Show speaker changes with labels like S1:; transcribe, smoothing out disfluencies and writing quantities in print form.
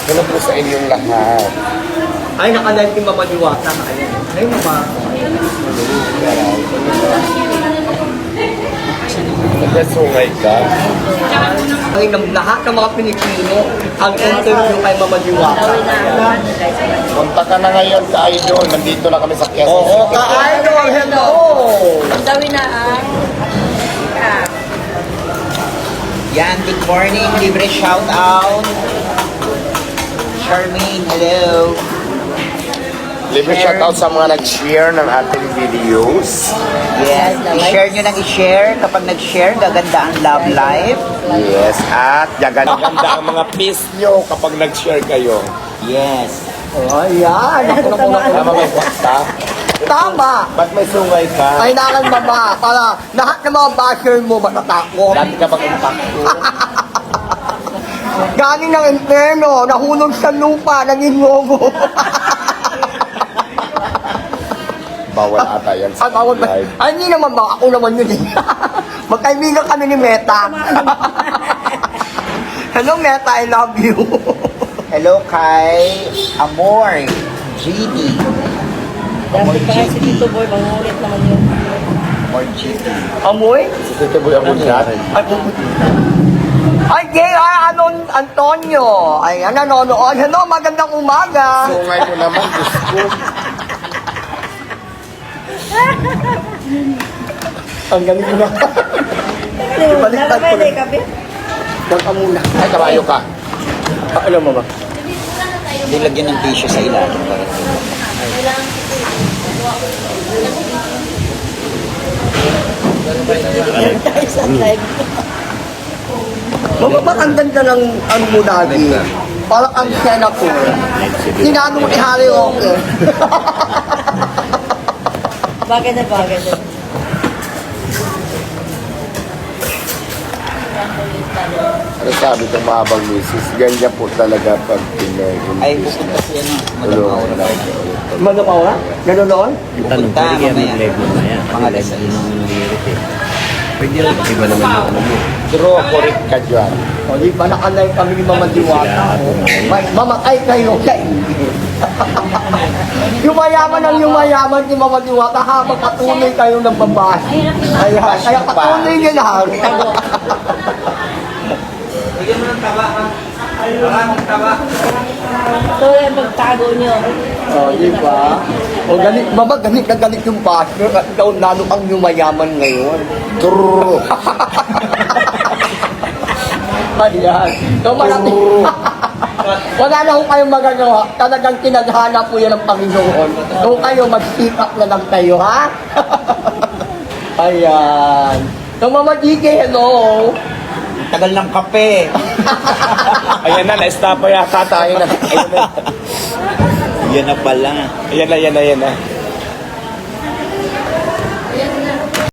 S1: Hello po sa inyong lahat.
S2: Ay, nakalive yung Mama Diwata. Ay, Mama.
S1: Nagkasungay ka.
S2: Ay, ng lahat ng mga Pilipino, ang interview kay Mama Diwata.
S1: Punta ka na ngayon ka Idol. Nandito na kami sa Quezon
S2: Oo,
S1: City.
S2: ka-idol, hello!
S3: Ang gawin na ang
S4: Yan, good morning. Libre shout out. Charmaine, hello.
S1: Libre shoutout sa mga nag-share ng ating videos.
S4: Yes, i-share nyo nang i-share. Kapag nag-share, gaganda ang love life.
S1: Yes, at gaganda ang mga peace nyo kapag nag-share kayo.
S4: Yes.
S2: Oh, ayan.
S1: Tama may kwasta.
S2: Tama!
S1: Ba't may sungay ka?
S2: Ay, nakan Mama. Para lahat ng mga basher mo matatakot.
S1: Dati ka pag impacto.
S2: Galing ng inferno, nahulog sa lupa, naging ngogo.
S1: Bawal ata yan
S2: Ay,
S1: sa
S2: bawal ba?
S1: live.
S2: Ay, hindi naman ba? Ako naman yun eh. Magkaibigan kami ni Meta. Hello Meta, I love you.
S4: Hello kay Amor, GD.
S3: dapat pa si Tito Boy, mangulit naman yun.
S4: Amor GD.
S2: Amoy?
S1: Si Tito Boy ang chat.
S2: Ay, J.R. Antonio. Ay, nanonood. Hello, magandang umaga.
S1: Sungay ko naman, Diyos ko.
S2: Ang galing mo na. Ibaliktad ko na. Huwag ka muna.
S1: Ay, kabayo ka.
S2: Alam mo ba?
S4: Hindi lagyan ng tissue sa ilalim.
S3: Sa live.
S2: Mama, ba't ang ganda ng ano mo dati? Parang ang senator. Sinado mo ni Harry Roque.
S3: Bagay na bagay na.
S1: Ano sabi ng mahabang misis? Ganyan po talaga pag Pinoy.
S4: Ay, pupunta siya na.
S1: Tulungan na.
S2: Mano pa wala? Gano'n?
S5: Tanong,
S4: Punta,
S5: pwede kaya
S4: mamaya.
S5: mag-live mamaya.
S4: Mga
S5: Kasi
S4: alas
S5: live yun ang nangyayari eh. Pwede lang, iba naman yung ano mo.
S1: True, correct ka dyan.
S2: O, di ba nakalay kami ni Mama Diwata? Mamatay kayo sa Yumayaman ang yumayaman ni Mama Diwata habang patuloy kayo ng babae. Kaya patuloy niyo lang.
S3: Ito yung pagtago nyo.
S2: O, di ba? O, galit, Mama, galit na galit yung partner at ikaw lalo ang yumayaman ngayon.
S1: True.
S2: Ayan. So, marami. Wala na ho kayong magagawa. Talagang tinadhana po yan ng Panginoon. So, kayo, mag-speak up na lang kayo, ha? Ayan. So, Mama GK, hello.
S4: Tagal ng kape.
S1: Ayan na, na-stop yata tayo na. Ayan na.
S4: Yan na pala.
S1: Ayan na, ayan na, ayan na.